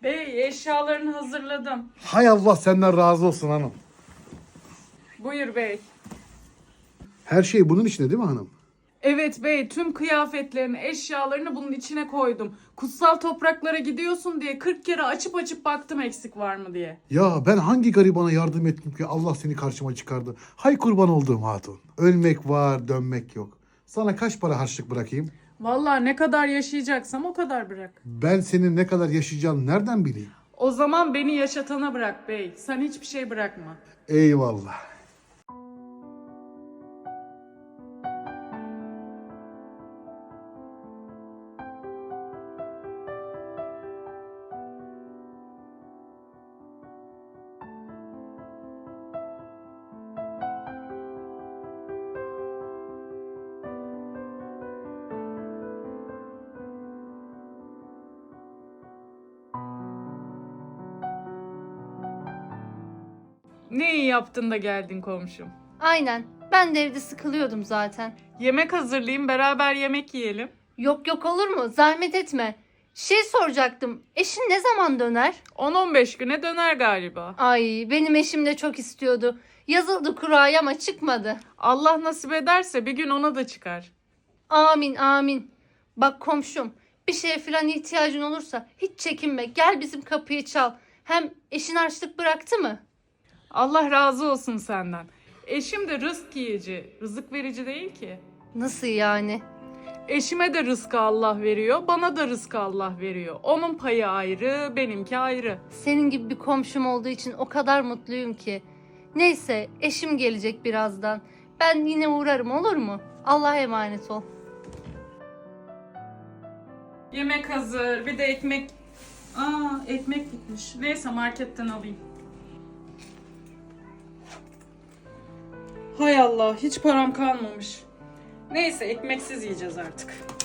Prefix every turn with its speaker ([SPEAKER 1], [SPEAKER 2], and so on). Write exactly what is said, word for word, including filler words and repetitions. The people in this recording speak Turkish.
[SPEAKER 1] Bey, eşyalarını hazırladım.
[SPEAKER 2] Hay Allah senden razı olsun hanım.
[SPEAKER 1] Buyur bey.
[SPEAKER 2] Her şey bunun içinde değil mi hanım?
[SPEAKER 1] Evet bey, tüm kıyafetlerini, eşyalarını bunun içine koydum. Kutsal topraklara gidiyorsun diye kırk kere açıp açıp baktım eksik var mı diye.
[SPEAKER 2] Ya ben hangi garibana yardım ettim ki Allah seni karşıma çıkardı. Hay kurban olduğum hatun. Ölmek var, dönmek yok. Sana kaç para harçlık bırakayım?
[SPEAKER 1] Vallahi ne kadar yaşayacaksam o kadar bırak.
[SPEAKER 2] Ben senin ne kadar yaşayacağını nereden bileyim?
[SPEAKER 1] O zaman beni yaşatana bırak bey. Sen hiçbir şey bırakma.
[SPEAKER 2] Eyvallah.
[SPEAKER 1] Ne iyi yaptın da geldin komşum.
[SPEAKER 3] Aynen. Ben de evde sıkılıyordum zaten.
[SPEAKER 1] Yemek hazırlayayım, beraber yemek yiyelim.
[SPEAKER 3] Yok yok olur mu? Zahmet etme. Şey soracaktım. Eşin ne zaman döner?
[SPEAKER 1] on on beş güne döner galiba.
[SPEAKER 3] Ay benim eşim de çok istiyordu. Yazıldı kuraya ama çıkmadı.
[SPEAKER 1] Allah nasip ederse bir gün ona da çıkar.
[SPEAKER 3] Amin amin. Bak komşum bir şeye falan ihtiyacın olursa hiç çekinme. Gel bizim kapıyı çal. Hem eşin harçlık bıraktı mı?
[SPEAKER 1] Allah razı olsun senden. Eşim de rızk yiyici, rızık verici değil ki.
[SPEAKER 3] Nasıl yani?
[SPEAKER 1] Eşime de rızkı Allah veriyor, bana da rızkı Allah veriyor. Onun payı ayrı, benimki ayrı.
[SPEAKER 3] Senin gibi bir komşum olduğu için o kadar mutluyum ki. Neyse eşim gelecek birazdan. Ben yine uğrarım olur mu? Allah'a emanet ol.
[SPEAKER 1] Yemek hazır, bir de ekmek. Aa, ekmek bitmiş. Neyse marketten alayım. Hay Allah, hiç param kalmamış. Neyse ekmeksiz yiyeceğiz artık.